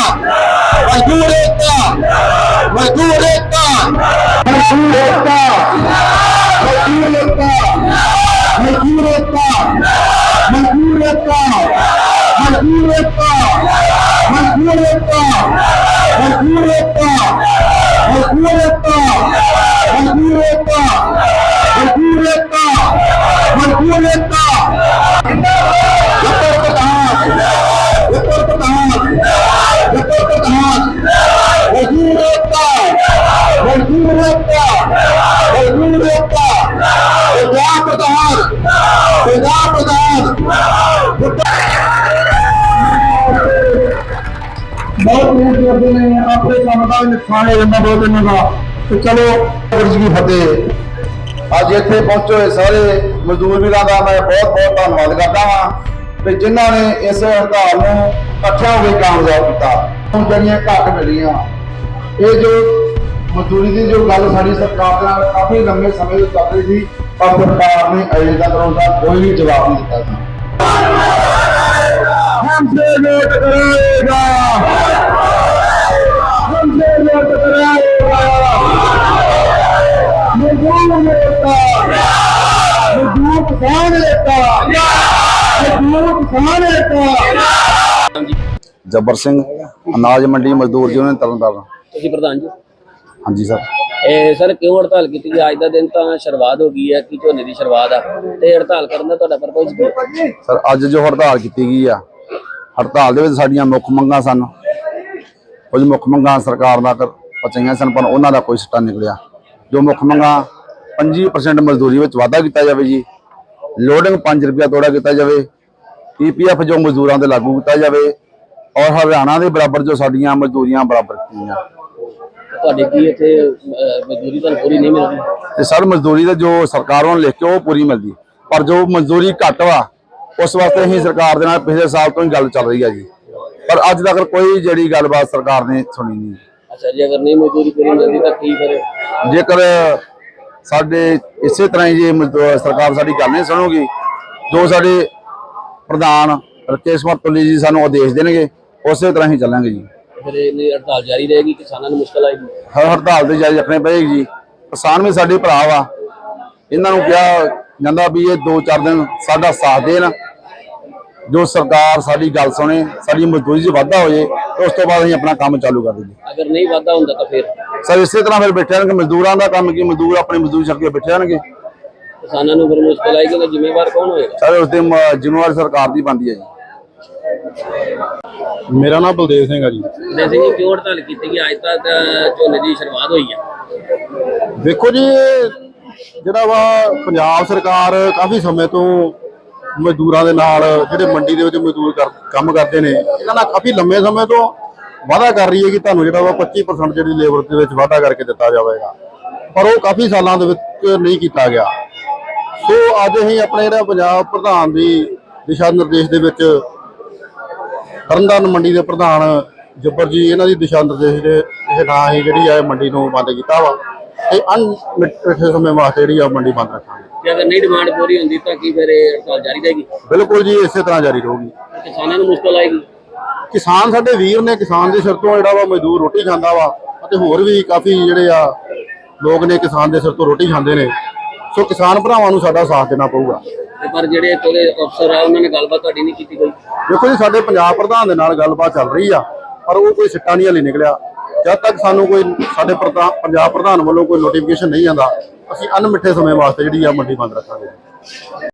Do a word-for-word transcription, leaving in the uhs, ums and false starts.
मजदूर एकता, मजदूर एकता, मजदूर एकता, मजदूर एकता, मजदूर एकता, मजदूर एकता, मजदूर एकता, मजदूर एकता, मजदूर एकता, मजदूर एकता, मजदूर एकता, मजदूर एकता, मजदूर एकता, उत्तर प्रधान, उत्तर प्रधान, उत्तर प्रधान, मजदूर एकता, मजदूर एकता, मजदूर एकता, पंजाब प्रधान, पंजाब प्रधान, बहुत मेहनत करते हैं अपने काम का नुकसान हो जाता बहुत दिनों का। तो चलो गुरज की फतेह। अज इत्थे पहुंचे हुए सारे मजदूर वीरां दा मैं बहुत बहुत धन्नवाद करता हाँ कि जिन्हों ने इस हड़ताल को इकट्ठा होकर कामयाब किया। हम जड़ियाँ घट मिलियां ये जो मजदूरी की जो गल साडी सरकार दे नाल काफी लंबे समय से चल रही थी पर सरकार ने अजे तक उसका कोई भी जवाब नहीं दिता था। हमसे वोट कराएगा, हमसे वोट कराएगा, मजदूर नेता, मजदूर किसान नेता, मजदूर किसान नेता। जब्बर सिंह अनाज मंडी मजदूर यूनियन तरनताਰਨ। ਤੁਸੀਂ ਪ੍ਰਧਾਨ ਜੀ। ਹਾਂਜੀ ਸਰ। ਇਹ ਸਰ ਕਿਉਂ ਹੜਤਾਲ ਕੀਤੀ ਗਈ? ਅੱਜ ਦਾ ਦਿਨ ਤਾਂ ਸ਼ੁਰੂਆਤ ਹੋ ਗਈ ਹੈ ਕਿ ਝੋਨੇ ਦੀ ਸ਼ੁਰੂਆਤ ਆ ਤੇ ਹੜਤਾਲ ਕਰਨ ਦਾ ਤੁਹਾਡਾ ਪਰਪਸ ਕੀ ਹੈ? ਸਰ ਅੱਜ ਜੋ ਹੜਤਾਲ ਕੀਤੀ ਗਈ ਆ ਹੜਤਾਲ ਦੇ ਵਿੱਚ ਸਾਡੀਆਂ ਮੁੱਖ ਮੰਗਾਂ ਸਨ, ਕੁਝ ਮੁੱਖ ਮੰਗਾਂ ਸਰਕਾਰ ਦਾ ਪਚਾਈਆਂ ਸਨ ਪਰ ਉਹਨਾਂ ਦਾ ਕੋਈ ਸਿੱਟਾ ਨਿਕਲਿਆ। ਜੋ ਮੁੱਖ ਮੰਗਾਂ ਪੰਜੀ ਪਰਸੈਂਟ ਮਜ਼ਦੂਰੀ ਵਿੱਚ ਵਾਧਾ ਕੀਤਾ ਜਾਵੇ ਜੀ, ਲੋਡਿੰਗ ਪੰਜ ਰੁਪਇਆ ਤੋੜਾ ਕੀਤਾ ਜਾਵੇ, ਈ ਪੀ ਐਫ ਜੋ ਮਜ਼ਦੂਰਾਂ ਤੇ ਲਾਗੂ ਕੀਤਾ ਜਾਵੇ ਔਰ ਹਰਿਆਣਾ ਦੇ ਬਰਾਬਰ ਜੋ ਸਾਡੀਆਂ ਮਜ਼ਦੂਰੀਆਂ ਬਰਾਬਰ ਕੀਤੀਆਂ। ਤੁਹਾਡੇ ਕੀ ਇੱਥੇ ਮਜ਼ਦੂਰੀ ਤੁਹਾਨੂੰ ਪੂਰੀ ਨਹੀਂ ਮਿਲਦੀ? ਤੇ ਸਰ ਮਜ਼ਦੂਰੀ ਦਾ ਜੋ ਸਰਕਾਰ ਵੱਲੋਂ ਲਿਖ ਕੇ ਉਹ ਪੂਰੀ ਮਿਲਦੀ ਪਰ ਜੋ ਮਜ਼ਦੂਰੀ ਘੱਟ ਵਾ ਉਸ ਵਾਸਤੇ ਅਸੀਂ ਸਰਕਾਰ ਦੇ ਨਾਲ ਪਿਛਲੇ ਸਾਲ ਤੋਂ ਹੀ ਗੱਲ ਚੱਲ ਰਹੀ ਹੈ ਜੀ ਪਰ ਅੱਜ ਤੱਕ ਕੋਈ ਜਿਹੜੀ ਗੱਲਬਾਤ ਸਰਕਾਰ ਨੇ ਸੁਣੀ ਨਹੀਂ। ਅੱਛਾ ਜੀ, ਅਗਰ ਨਹੀਂ ਮਜ਼ਦੂਰੀ ਪੂਰੀ ਮਿਲਦੀ ਤਾਂ ਕੀ ਕਰੇ? ਜੇਕਰ ਸਾਡੇ ਇਸੇ ਤਰ੍ਹਾਂ ਹੀ ਜੇ ਸਰਕਾਰ ਸਾਡੀ ਗੱਲ ਨਹੀਂ ਸੁਣੂਗੀ ਜੋ ਸਾਡੇ ਪ੍ਰਧਾਨ ਰਕੇਸ਼ ਕੁਮਾਰ ਤੁੱਲੀ ਜੀ ਸਾਨੂੰ ਆਦੇਸ਼ ਦੇਣਗੇ ਉਸੇ ਤਰ੍ਹਾਂ ਹੀ ਚੱਲਾਂਗੇ ਜੀ। ਫਿਰ ਇਹ ਹੜਤਾਲ ਜਾਰੀ ਰਹੇਗੀ, ਕਿਸਾਨਾਂ ਨੂੰ ਮੁਸ਼ਕਲ ਆਏਗੀ? ਹਰ ਹੜਤਾਲ ਤੇ ਜਾਰੀ ਰੱਖਣੀ ਪਏਗੀ ਜੀ। ਕਿਸਾਨ ਵੀ ਸਾਡੇ ਭਰਾ ਵਾ, ਇਹਨਾਂ ਨੂੰ ਕਿਹਾ ਜਾਂਦਾ ਵੀ ਇਹ ਦੋ ਚਾਰ ਦਿਨ ਸਾਡਾ ਸਾਥ ਦੇਣ, ਜੋ ਸਰਕਾਰ ਸਾਡੀ ਗੱਲ ਸੁਣੇ, ਸਾਡੀ ਮਜ਼ਦੂਰੀ 'ਚ ਵਾਧਾ ਹੋ ਜਾਏ ਤੇ ਉਸ ਤੋਂ ਬਾਅਦ ਅਸੀਂ ਆਪਣਾ ਕੰਮ ਚਾਲੂ ਕਰ ਦਈਏ। ਅਗਰ ਨਹੀਂ ਵਾਧਾ ਹੁੰਦਾ ਤਾਂ ਫਿਰ ਸਰ ਇਸੇ ਤਰ੍ਹਾਂ ਫਿਰ ਬੈਠੇ ਰਹਿਣਗੇ। ਮਜ਼ਦੂਰਾਂ ਦਾ ਕੰਮ ਕੀ, ਮਜ਼ਦੂਰ ਆਪਣੀ ਮਜ਼ਦੂਰੀ ਛੱਡ ਕੇ ਬੈਠੇ ਰਹਿਣਗੇ। ਕਿਸਾਨਾਂ ਨੂੰ ਫਿਰ ਮੁਸ਼ਕਲ ਆਏਗੀ ਤਾਂ ਜ਼ਿੰਮੇਵਾਰ ਕੌਣ ਹੋਏਗਾ? ਸਰ ਉਸ ਦੀ ਜ਼ਿੰਮੇਵਾਰੀ ਸਰਕਾਰ ਦੀ ਬਣਦੀ ਹੈ ਜੀ। ਮੇਰਾ ਨਾਮ ਬਲਦੇਵ ਸਿੰਘ ਹੈ ਜੀ। ਬਲਦੇਵ ਸਿੰਘ ਜੀ, ਕਿਉਂ ਹੜਤਾਲ ਕੀਤੀ ਗਈ? ਅੱਜ ਤੱਕ ਝੋਨੇ ਦੀ ਸ਼ੁਰੂਆਤ ਹੋਈ ਹੈ। ਦੇਖੋ ਜੀ ਜਿਹੜਾ ਵਾ ਪੰਜਾਬ ਸਰਕਾਰ ਕਾਫੀ ਸਮੇਂ ਤੋਂ ਮਜ਼ਦੂਰਾਂ ਦੇ ਨਾਲ ਜਿਹੜੇ ਮੰਡੀ ਦੇ ਵਿੱਚ ਮਜ਼ਦੂਰ ਕੰਮ ਕਰਦੇ ਨੇ ਇਹਨਾਂ ਨਾਲ ਕਾਫੀ ਲੰਮੇ ਸਮੇਂ ਤੋਂ ਵਾਅਦਾ ਕਰ ਰਹੀ ਹੈ ਕਿ ਤੁਹਾਨੂੰ ਜਿਹੜਾ ਵਾ ਪੱਚੀ ਪਰਸੈਂਟ ਜਿਹੜੀ ਲੇਬਰ ਦੇ ਵਿੱਚ ਵਾਅਦਾ ਕਰਕੇ ਦਿੱਤਾ ਜਾਵੇਗਾ ਪਰ ਉਹ ਕਾਫੀ ਸਾਲਾਂ ਦੇ ਵਿੱਚ ਨਹੀਂ ਕੀਤਾ ਗਿਆ। ਸੋ ਅੱਜ ਅਸੀਂ ਆਪਣੇ ਜਿਹੜਾ ਪੰਜਾਬ ਪ੍ਰਧਾਨ ਦੀ ਦਿਸ਼ਾ ਨਿਰਦੇਸ਼ ਦੇ ਵਿੱਚ ਤਰਨਤਾਰਨ ਮੰਡੀ ਦੇ ਪ੍ਰਧਾਨ ਜੱਬਰ ਜੀ ਇਹਨਾਂ ਦੀ ਦਿਸ਼ਾ ਨਿਰਦੇਸ਼ ਦੇ ਇਹ ਨਾਂ ਹੀ ਜਿਹੜੀ ਆ ਮੰਡੀ ਨੂੰ ਬੰਦ ਕੀਤਾ ਵਾ ਤੇ ਅਣਮਿੱਥੇ ਸਮੇਂ ਵਾਸਤੇ ਜਿਹੜੀ ਆ ਮੰਡੀ ਬੰਦ ਰੱਖਾਂਗੇ। ਜੇ ਅਗਰ ਨਹੀਂ ਡਿਮਾਂਡ ਪੂਰੀ ਹੁੰਦੀ ਤਾਂ ਕੀ ਫਿਰ ਇਹ ਹੜਤਾਲ ਜਾਰੀ ਰਹੇਗੀ? ਬਿਲਕੁਲ ਜੀ, ਇਸੇ ਤਰ੍ਹਾਂ ਜਾਰੀ ਰਹੂਗੀ। ਕਿਸਾਨਾਂ ਨੂੰ ਮੁਸ਼ਕਲ ਆਏਗੀ? ਕਿਸਾਨ ਸਾਡੇ ਵੀਰ ਨੇ, ਕਿਸਾਨ ਦੇ ਸਿਰ ਤੋਂ ਜਿਹੜਾ ਵਾ ਮਜ਼ਦੂਰ ਰੋਟੀ ਖਾਂਦਾ ਵਾ ਅਤੇ ਹੋਰ ਵੀ ਕਾਫੀ ਜਿਹੜੇ ਆ ਲੋਕ ਨੇ ਕਿਸਾਨ ਦੇ ਸਿਰ ਤੋਂ ਰੋਟੀ ਖਾਂਦੇ ਨੇ। ਸੋ ਕਿਸਾਨ ਭਰਾਵਾਂ ਨੂੰ ਸਾਡਾ ਸਾਥ ਦੇਣਾ ਪਊਗਾ। ਪਰ ਜਿਹੜੇ ਕੋਲੇ ਅਫਸਰ ਆ ਉਹਨਾਂ ਨੇ ਗੱਲਬਾਤ ਤੁਹਾਡੀ ਨਹੀਂ ਕੀਤੀ ਕੋਈ? ਦੇਖੋ ਜੀ ਸਾਡੇ ਪੰਜਾਬ ਪ੍ਰਧਾਨ ਦੇ ਨਾਲ ਗੱਲਬਾਤ ਚੱਲ ਰਹੀ ਆ ਪਰ ਉਹ ਕੋਈ ਸਿੱਟਾ ਨਹੀਂ ਹਲੇ ਨਿਕਲਿਆ। ਜਦ ਤੱਕ ਸਾਨੂੰ ਕੋਈ ਸਾਡੇ ਪੰਜਾਬ ਪ੍ਰਧਾਨ ਵੱਲੋਂ ਕੋਈ ਨੋਟੀਫਿਕੇਸ਼ਨ ਨਹੀਂ ਆਉਂਦਾ ਅਸੀਂ ਅਣਮਿੱਠੇ ਸਮੇਂ ਵਾਸਤੇ ਜਿਹੜੀ ਆ ਮੰਡੀ ਬੰਦ ਰੱਖਾਂਗੇ।